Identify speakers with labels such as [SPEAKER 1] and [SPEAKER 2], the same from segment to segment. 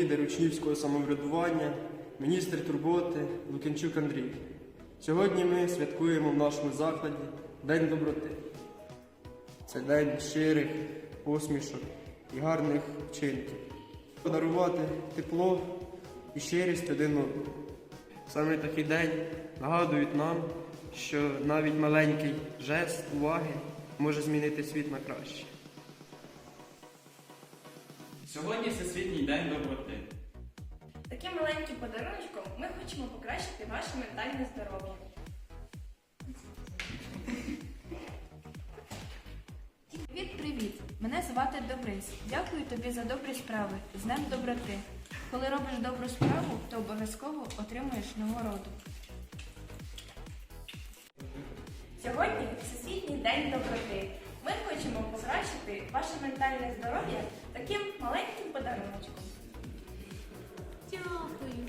[SPEAKER 1] лідер учнівського самоврядування, міністр турботи Лук'янчук Андрій. Сьогодні ми святкуємо в нашому закладі День доброти. Це день щирих посмішок і гарних вчинків. Подарувати тепло і щирість один одному. Саме такий день нагадують нам, що навіть маленький жест уваги може змінити світ на краще.
[SPEAKER 2] Сьогодні Всесвітній день доброти.
[SPEAKER 3] Таким маленьким подарунком ми хочемо покращити ваше ментальне здоров'я.
[SPEAKER 4] Привіт! Мене звати Добрис. Дякую тобі за добрі справи. З Днем доброти. Коли робиш добру справу, то обов'язково отримуєш нагороду.
[SPEAKER 3] Сьогодні Всесвітній день доброти. Ми хочемо покращити ваше ментальне здоров'я таким маленьким подарунком.
[SPEAKER 4] Дякую.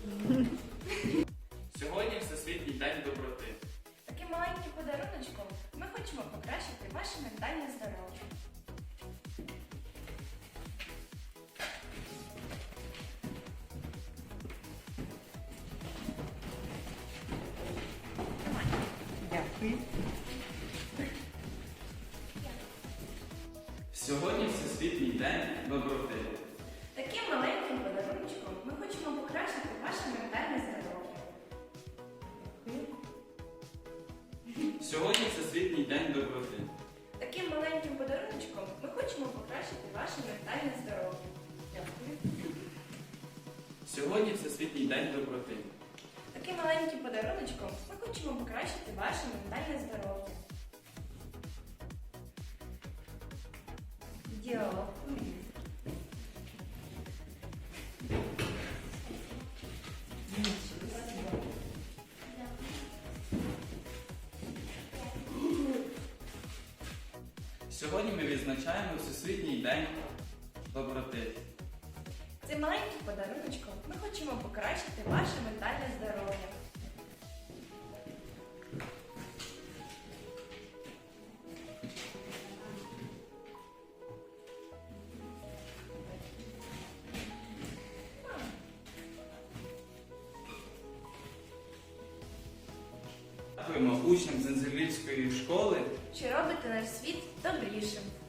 [SPEAKER 2] Сьогодні Всесвітній день доброти.
[SPEAKER 3] Таким маленьким подарунком ми хочемо покращити ваше ментальне здоров'я.
[SPEAKER 1] Дякую.
[SPEAKER 2] Сьогодні Всесвітній день доброти.
[SPEAKER 3] Таким маленьким подарунком ми хочемо покращити ваше ментальне здоров'я.
[SPEAKER 2] Сьогодні Всесвітній день доброти.
[SPEAKER 3] Таким маленьким подарунком ми хочемо покращити ваше ментальне здоров'я. Дякую.
[SPEAKER 2] Сьогодні Всесвітній день доброти.
[SPEAKER 3] Таким маленьким подарунком ми хочемо покращити ваше ментальне здоров'я. Дякую.
[SPEAKER 2] Сьогодні ми відзначаємо Всесвітній день доброти.
[SPEAKER 3] Цим маленьким подарунком ми хочемо покращити ваше ментальне здоров'я.
[SPEAKER 2] Дякуємо учням Зензелівської школи,
[SPEAKER 3] Що робите наш світ добрішим.